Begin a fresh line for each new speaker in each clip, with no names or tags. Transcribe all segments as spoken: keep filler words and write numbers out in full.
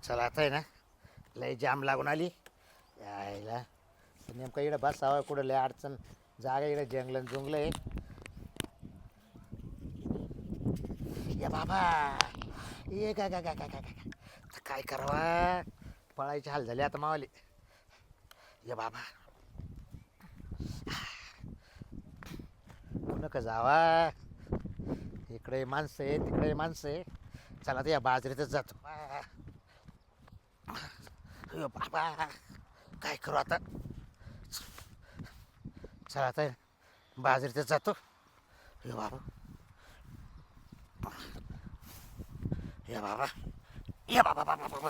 चला आता आहे ना लय जाम लागून आली यायला नेमकं इकडं बसावं कुठं लय अडचण जागा इकडे जंगलन जुंगलं आहे या बाबा ये काय काय काय काय काय काय करावा पळायचे हाल झाले आता मावाले या बाबा नका जावा इकडे माणसं आहे तिकडे माणसं आहे चला तर या बाजरीतच जातो अयो बाबा काय करू आता चला आता बाजरीतच जातो यो बाबा या बाबा या बाबा बाबा बाबा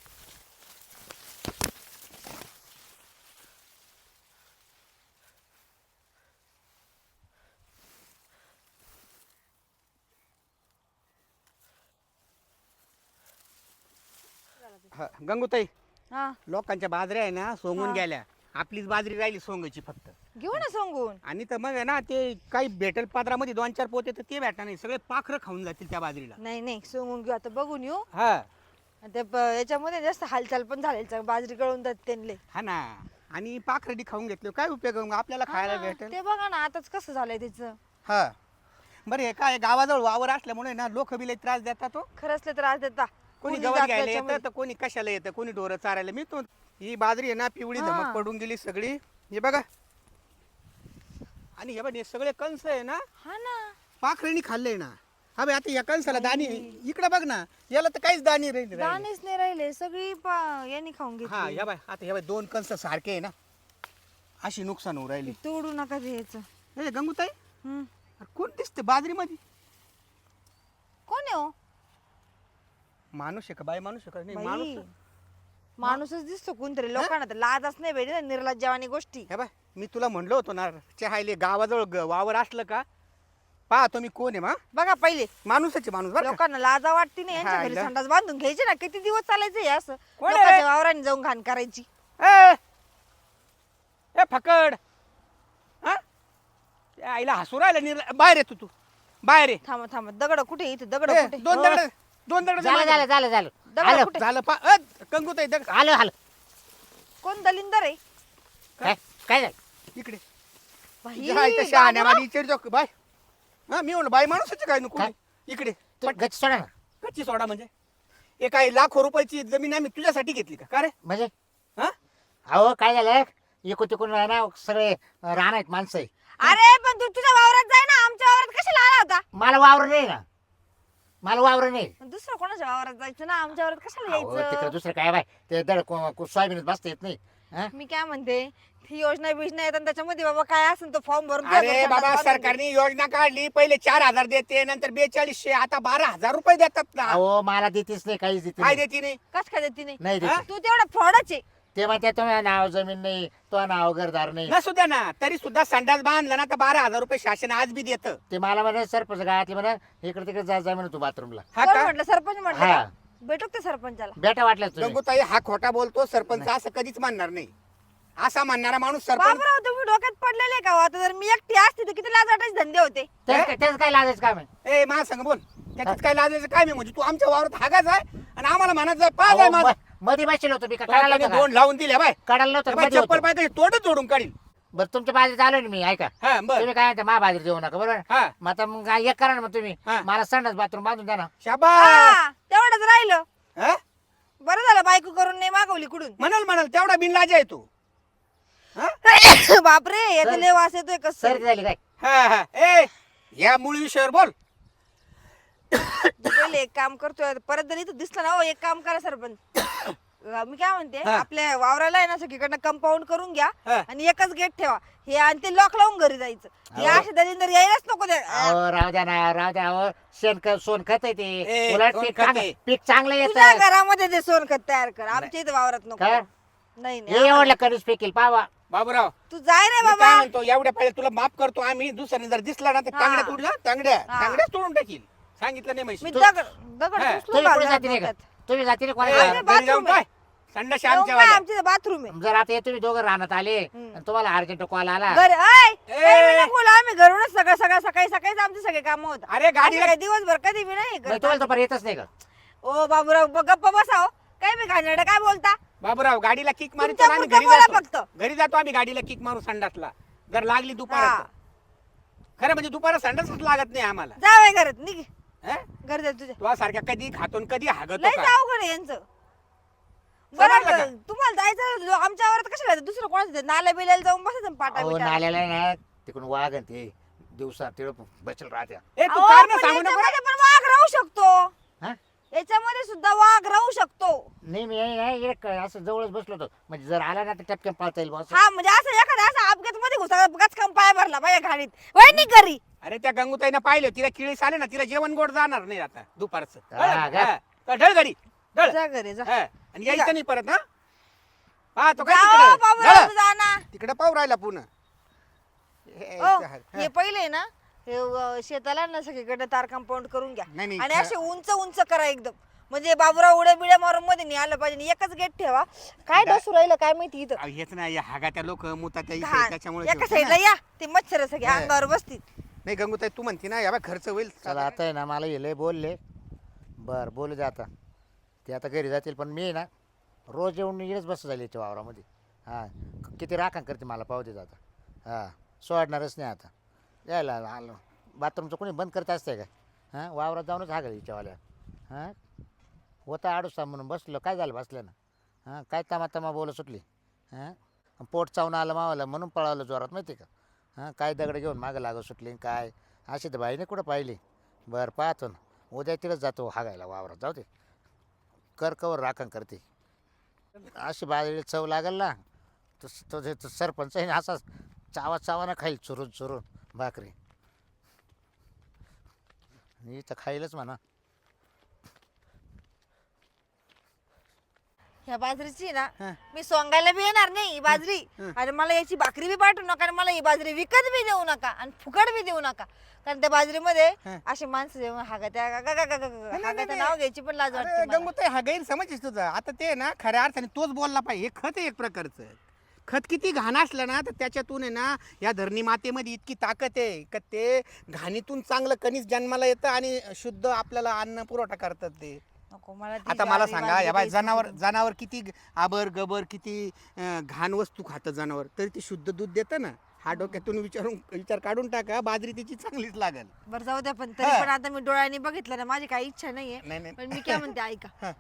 हा, गंगूताई
हा
लोकांच्या बाजऱ्या आहे ना सोंगून
हा.
गेल्या आपलीच बाजरी राहिली सोंगायची फक्त
घेऊ ना सांगून
आणि तर मग आहे ना ते काही भेटेल पात्रामध्ये दोन चार पोते तर ते भेटणार नाही सगळे पाखरं खाऊन जातील त्या बाजरीला
नाही नाही सांगून घेऊ आता बघून येऊ
हा
आणि ते प- याच्यामध्ये जास्त हालचाल पण झाली बाजरी गळून जात त्यांले
हा ना आणि पाखरडी खाऊन घेतले काय उपयोग आहे मग आपल्याला खायला
हा,
भेटेल
ते बघा ना आताच कसं झालंय त्याचं
हा बरं हे काय गावाजवळ वावर असल्यामुळे ना लोक बी लई त्रास देतात तो
खरंच त्रास देता
कोणी
कोणी
गवत
जात
घ्यायला
त्याच्यामध्ये.
येतं तर कोणी कशाला येतं कोणी ढोरं चारायला मी तो ही बाजरी आहे ना पिवळी
हा.
धमक पडून गेली सगळी हे बघा आणि हे बघ हे सगळे कंस आहे ना
हा ना
पाखरेणी खाल्ले ना हा बाई आता या कंसाला दाणी इकडे बघ ना याला तर काहीच दाणी राहिली राहिली.
दाणेच नाही राहिले सगळी पा- यांनी खाऊन
हा
घेतली
या बाय आता या बाय दोन कंस सारखे आहे ना अशी नुकसान होऊ राहिली
तोडू नका द्यायचं
हे गंगूताई
हम्म.
अरे कोण दिसते बाजरीमध्ये
कोण आहे हो
माणूस आहे का बाई माणूस आहे का नाही माणूस
बाई माणूसच दिसतो कोणतरी लोकांना तर लाजच नाही भेटत निर्लज्जवानी गोष्टी
हे बाय मी तुला म्हणलो होतो ना चहायले गावाजवळ ग- वावर असलं का पाहतो मी कोण आहे मा
बघा पहिले
माणूसाचे माणूस बरं का?
लोकांना लाजा वाटते नाही यांच्या
हा,
घरी
इला.
संडास बांधून घ्यायचे ना किती दिवस चालायचं हे असं
कोण आहे
लोकांच्या
रे?
वावराने जाऊन घाण करायची
ए ए फकड हा त्या आईला हसू राहिला निर बाहेर येतो तू बाहेर ये
थांबा थांबा दगड कुठे इथे दगड
ए,
कुठे
दोन दगड दोन दगड
झालं झालं झालं झालं
दगड
आलं
कुठे
झालं पा अ, कंगूताई दगड
आलं आलं
कोण दलिंदर आहे
काय काय झालं
इकडे
बाई,
तुझ्या आईच्या शहाण्या मला विचारतो बाय हा मी म्हणलं बाई माणूसच काय नको
काय?
इकडे
तू गच्ची सोडा ना
कच्ची सोडा म्हणजे हे काय लाखो रुपयाची जमीन आम्ही तुझ्यासाठी घेतली का का रे
म्हणजे
हा
अहो काय झालं इकून तिकून ना सगळे राहणार आहेत माणसं आहे.
अरे पण तू तुझ्या वावरात जाय ना आमच्या वावरात कशाला आला होता
मला वावर नाही ना मला वावर नाही
दुसरं कोणाच्या वावरात जायचं ना आमच्या वावरात कशाला
अहो, तिकडे
यायचं
दुसरं काय बाय ते दड को- को- सोयाबीनच बसता येत नाही हा?
मी काय म्हणते ही योजना बिजना येतात त्याच्यामध्ये बाबा काय असेल तो फॉर्म भरून
अरे
द्या,
बाबा
बांधून दे.
सरकारने योजना काढली पहिले चार हजार देते नंतर बेचाळीसशे आता बारा हजार रुपये देतात ना
अहो मला देतेच नाही काहीच देते
काय
नाही.
देते नाही
कस काय देते नाही
नाही
हा?
देते
तू तेवढा फ्रॉडच आहे
ते म्हणते तुम्ही नाव जमीन नाही तो नाव घरदार नाही
नसू द्या ना तरी सुद्धा संडास बांधला ना तर बारा हजार रुपये शासन आज बी देत
ते मला म्हणे सरपंच गावातले म्हणा इकडे तिकडे जा जा म्हणे तू बाथरूमला
हा
कोण
का
म्हटलं सरपंच म्हटलं
हा.
का? भेटू का ते सरपंचाला
बेटा वाटलं तुम्ही
गंगूताई हा खोटा बोलतो सरपंच असं कधीच मानणार नाही असा मानणारा माणूस सरपंच
बाबराव तुम्ही डोक्यात पडलेले का हो? आता जर मी एकटी असते तर किती लाज वाटायचे धंदे होते
त्याच काय- त्याच काय लाजायचं काम आहे
ए मला सांग बोल त्याच्यात काय लाजायचं काय मी म्हणजे तू आमच्या वावरात हागाच आहे आणि आम्हाला म्हणत जाय पाच आहे
अहो,
माझं
म- मध्ये बसलो होतो मी का काढायला
त्याने
नव्हतं
दोन लावून दिल्या बाय
का? काढायला नव्हतं
बाय,
मध्ये
चप्पल
होतो.
पाय तोडच जोडून काढील
बरं तुमच्या बाजूला आलो ना मी ऐका
हा बर
तुम्ही काय म्हणता महाबाजरी देऊ नका बरोबर
हा
मग आता मग काय एक करा ना मग तुम्ही
हा.
मला संडास बाथरूम बांधून द्या ना
शाबास
हा, तेवढंच राहिलं
हा?
बरं झालं बायको करून नाही मागवली कुठून
म्हणाल म्हणाल तेवढा बिनलाज आहे तू हा?
बापरे याचा
सर-
लय वास येतोय कस
सर्दी झाली काय
हा हा ए या मूळ विषयावर बोल
पहिले एक काम करतोय परत जर इथं दिसलं ना हो एक काम करा सरपंच अं, मी काय म्हणते
हा.
आपल्या वावराला आहे ना सगळीकडनं कंपाऊंड करून घ्या
हा.
आणि एकच गेट ठेवा हे आणि ते लॉक लावून घरी जायचं हे
अहो.
असे दलिंदर यायलाच नको ते
अहो राहू द्या ना राहू द्या अहो शेण ख- सोन खत आहे ते
ए,
उलट
सोन
पीक
खत
चांग-
आहे.
पीक चांगलं
तुझ्या
येतं
घरामध्ये ते सोनखत तयार कर आमच्या इथे वावरात नको
काय?
नाही
हे
नाही
एवढलं कधीच फेकील पावा
बाबूराव
तू जाय रे
मी काय
बाबा
म्हणतो एवढ्या पहिले तुला माफ करतो आम्ही दुसऱ्याने जर दिसला ना तर
हा.
तांगड्या तोडू ना तांगड्या
हा.
तांगड्याच तोडून टाकील सांगितलं नाही
मी
म्हशी
दगड दगड
हा.
उचलून
तुम्ही पुढे
घालणार
जाते नाही का
डोक्यात.
तुम्ही जाते नाही
ए,
अरे,
कोणाला
घरी जाऊन
bathroom आहे.
काय संडास
येऊन
आमच्या
काय
वाल्या.
आमच्या बाथरूम आहे
जर आता हे तुम्ही दोघं राहण्यात आले
हम्म.
आणि तुम्हाला अर्जंट कॉल आला
घरी ऐ,
ए.
काही बी नको बोलू, आम्ही घरूनच सगळं सगळं सकाळी सकाळीच आमचे सगळे काम होत
अरे गाडीला
दिवसभर कधी बी नाही
मग
करत.
तुम्हाला तर येतच नाही का
ओ बाबूराव ब- गप्प बसाव काय बी घाणेरडं काय बोलता?
बाबूराव गाडीला किक मारतो
तुमच्या
ना आम्ही
पुरतं
घरी
बोला
जातो
फक्त.
घरी जातो आम्ही गाडीला किक मारू संडासला जर लागली दुपार
हा.
खरं म्हणजे दुपारा संडासच लागत नाही आम्हाला
जावय घरात निघ.
हं?
घर जा तुझ्या.
तुला सारख्या कधी खातो आणि कधी हागतो
लय
का
जाऊ घरे यांचं.
समजलं
बरं
का?
तुम्हाला जायचं आमच्यावर तर कशाला जायचं? दुसरं कोणाचं नाल्या बिल्याला जाऊन बसायचं पाटा
अहो
बिटा.
नाल्याला ना तिकडून वाघ आणि ते दिवसा तिळ बचल राहत्या.
ए तू
अहो,
कारण
पण
सांगू नको रे.
याच्यामध्ये पण वाघ राहू शकतो.
हा?
याच्यामध्ये सुद्धा वाघ राहू शकतो.
नाही मी नाही- नाही, इकडे क- असं जवळच बसलो होतो म्हणजे जर आला ना तर टपक्यात पाळता येईल बस.
हा म्हणजे असं एखादा असा अपघात मध्ये घुसा गचकन पाय भरला बाया घाणीत वय निघ घरी.
अरे त्या गंगूताईनं पाहिलं तिला किळीस आले ना तिला जेवण गोड जाणार नाही आता दुपारचं
हा, का?
हा. तर ढळ घरी ढळ
जा घरी जा.
हा. आणि यायचं नाही परत हा हा तो काय
जाओ
तिकडं
बाबूराव,
ढळ.
तू जा ना.
तिकडे पाहू राहिला पुन्हा हे-
ओ,
हा.
हे पहिले ना हे अ, शेताला ना सगळीकडे तार कंपाऊंड करून घ्या
नाही, नाही,
आणि
खा-
असे उंच उंच करा एकदम म्हणजे बाबूराव उड्या बिड्या मारून मध्ये नाही आलं पाहिजे आणि एकच गेट ठेवा. काय
दा-
डसू राहिलं काय माहिती इथं.
अहो, हेच नाही हागात्या लोक मुतात्या इथे
घाण.
त्याच्यामुळे
एका
ठेवतो
साईडला
ना.
या ते मच्छर सगळे
हा.
अंगावर बसतील.
नाही गंगूताई तू म्हणते ना याबा खर्च होईल
चला आता आहे ना मला येले बोलले बर बोलू दे आता ते आता घरी जातील पण मी ना रोज येऊन इकडेच बस झाली याच्या वावरामध्ये हां किती राखण करते मला पाहू देत आता हां सोडणारच नाही आता यायला आलो बाथरूमचं कोणी बंद करत असतंय काय हां वावरात जाऊनच हागल हिच्यावाल्या हां होता आडूसा म्हणून बसलो काय झालं बसलं ना हां काय तमा तमा बोलत सुटली हां पोट चावून आलं मावाला म्हणून पळावलं जोरात माहिती का हां काय दगड घेऊन मागं लागत सुटली आणि काय अशी तर बाईने कुठं पाहिली बरं पाहतो ना उद्या तिकडंच जातो हागायला वावरात जाऊ दे कर कवर राखण करते अशी बाजरी चव लागेल ना तो तो जे- तो सरपंच आहे ना असा चावा चावाना खाईल चुरून चुरून भाकरी मी तर खाईलच म्हणा
ह्या बाजरीची ना
हा.
मी सोंगायला बी येणार नाही ही बाजरी
हं.
आणि मला याची भाकरी बी पाठवू नका आणि मला ही बाजरी विकत बी देऊ नका आणि फुकट बी देऊ नका कारण त्या बाजरीमध्ये
हं.
असे माणसं जेव्हा हागत्या गा- गा- गा- गा- गा- गा-
नाही,
हागत्या
नाही.
नाव घ्यायची पण लाज वाटते
अरे
मला.
गंगूताई हा गैरसमज आहे तुझा आता ते ना खऱ्या अर्थाने तोच बोलला पाहिजे हे खत आहे एक प्रकारचं खत किती घाण असलं ना तर त्याच्यातून आहे ना या धरणी मातेमध्ये इतकी ताकद आहे का ते घाणीतून चांगलं कणीस जन्माला येतं आणि शुद्ध आपल्याला अन्न पुरवठा करतात ते
नको मला ती
आता मला
ज्वारी
सांगा
बाजरी
या बाय
द्यायची
जनावर
सोडून.
जनावर किती आबर गबर किती अं, घाण वस्तू खातं जनावर तरी ते शुद्ध दूध देतं ना हा डोक्यातून विचारून विचार काढून टाका बाजरी त्याची चांगलीच लागेल
बरं जाऊ द्या पण तरी
हा.
पण आता मी डोळ्यांनी बघितलं ना माझी काही इच्छा नाहीये
नाही नाही
पण मी काय म्हणते ऐका
हा.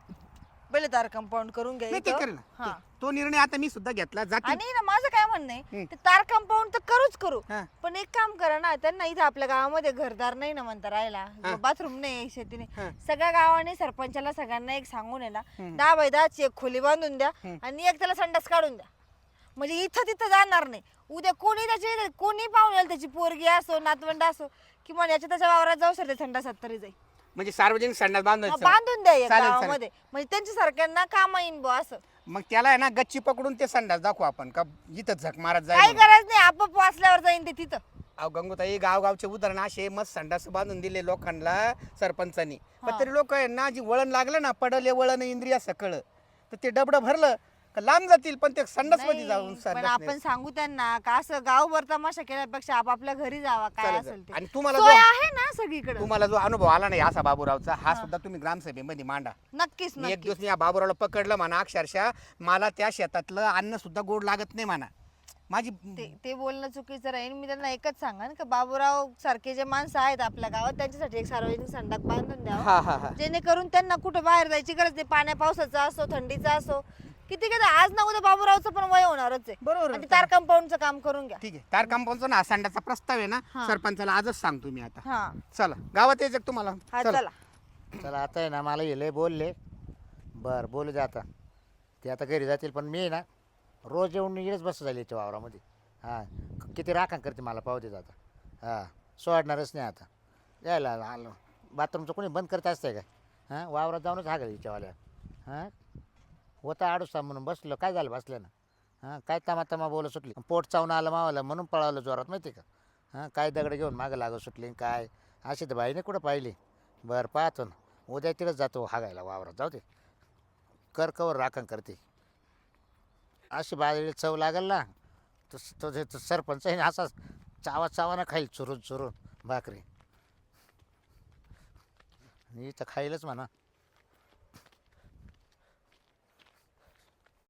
पहिले तार कंपाऊंड करून घ्या
नाही, ते
इथं.
करेल ना.
हा.
तो- तो निर्णय आता मी सुद्धा घेतला जाते
आणि ना माझं काय म्हणणं आहे
हं.
ते तार कंपाऊंड तर करूच करू
हा.
पण एक काम करा ना त्यांना इथं आपल्या गावामध्ये घरदार नाही ना म्हणता राहिला
हा.
बाथरूम नाही शेतीने
हा.
सगळ्या गावाने सरपंचाला सगळ्यांना एक सांगून आहे ना
हं.
दहा बाय दहाची एक खोली बांधून द्या
हं.
आणि एक त्याला संडास काढून द्या म्हणजे इथं तिथं जाणार नाही उद्या कोणी त्याची कोणी पाहून येईल त्याची पोरगी असो नातवंड असो किंवा याच्या त्याच्या वावरात जाऊ सर ते संडासात तरी जाईल
म्हणजे सार्वजनिक संडास
हा,
बांधायचं
बांधून द्या या
चालेल, चालेल.
गावामध्ये म्हणजे त्यांच्या सारख्यांना काम येईन बुवा असं
मग त्याला आहे ना गच्ची पकडून ते संडास दाखवू आपण का इथं झक मारत
काही
जाईल
गरज नाही आपोआप वाचल्यावर जाईन ते तिथं
अहो गंगोताई गावगावचे उदाहरण असे मस्त संडास बांधून दिले लोकांना सरपंचांनी पण
हा.
तरी लोक आहे ना जी वळण लागलं ना पडले वळण इंद्रिया सकळ तर ते डबडं भरलं का लांब जातील पण ते संडास मध्ये जाऊन
नाही, पण
संडास
आपण
नाही.
सांगू त्यांना का असं गावभर तमाशा केल्यापेक्षा आपापल्या घरी जावा काय
चालेल,
असेल
चालेल.
ते
आणि तुम्हाला
सोय
जो
आहे ना सगळीकडे
तुम्हाला जो अनुभव आला नाही असा बाबूरावचा हा सुद्धा तुम्ही ग्रामसभेमध्ये मांडा
नक्कीच
मी एक
नक्कीच
दिवस मी या बाबूरावला पकडलं म्हणा अक्षरशः मला त्या शेतातलं अन्न सुद्धा गोड लागत नाही म्हणा माझी
ते ते बोलणं चुकीचं राहील मी त्यांना एकच सांगन का बाबूराव सारखे जे माणसं आहेत आपल्या गावात त्यांच्यासाठी एक सार्वजनिक संडास बांधून द्यावा
हा हा हा
जेणेकरून त्यांना कुठं बाहेर जायची गरज नाही पाण्या पावसाचा असो थंडीचा असो किती किती आज ना उद्या बाबूरावचं पण वय होणारच आहे
बरोबर
आणि ते तार कंपाऊंडचं काम करून घ्या
ठीक आहे तार कंपाऊंडचा ना संडाचा प्रस्ताव आहे ना
हा.
सरपंचाला आजच सांगतो मी आता
हा
चला गावात यायचं का तुम्हाला
हा
चला.
चला
चला आता आहे ना मला येले बोलले बर बोलू दे आता ते आता घरी जातील पण मी ना रोज येऊन इकडेच बस झाली याच्या वावरामध्ये हां किती राखण करते मला पाहू देत आता हां सोडणारच नाही आता यायला आलो बाथरूमचं कोणी बंद करत असतंय काय हां वावरात जाऊनच हागल हिच्यावाल्या हां होता आडूसा म्हणून बसलो काय झालं बसलं ना हां काय तमा तमा बोलत सुटली पोट चावून आलं मावाला म्हणून पळावलं जोरात माहिती का हां काय दगड घेऊन मागं लागत सुटली आणि काय अशी तर बाईने कुठं पाहिली बरं पाहतो ना उद्या तिकडंच जातो हागायला वावरात जाऊ दे कर कवर राखण करते अशी बाजरी चव लागेल ना तो तो जे- तो सरपंच आहे ना असा चावा चावाना खाईल चुरून चुरून भाकरी मी तर खाईलच म्हणा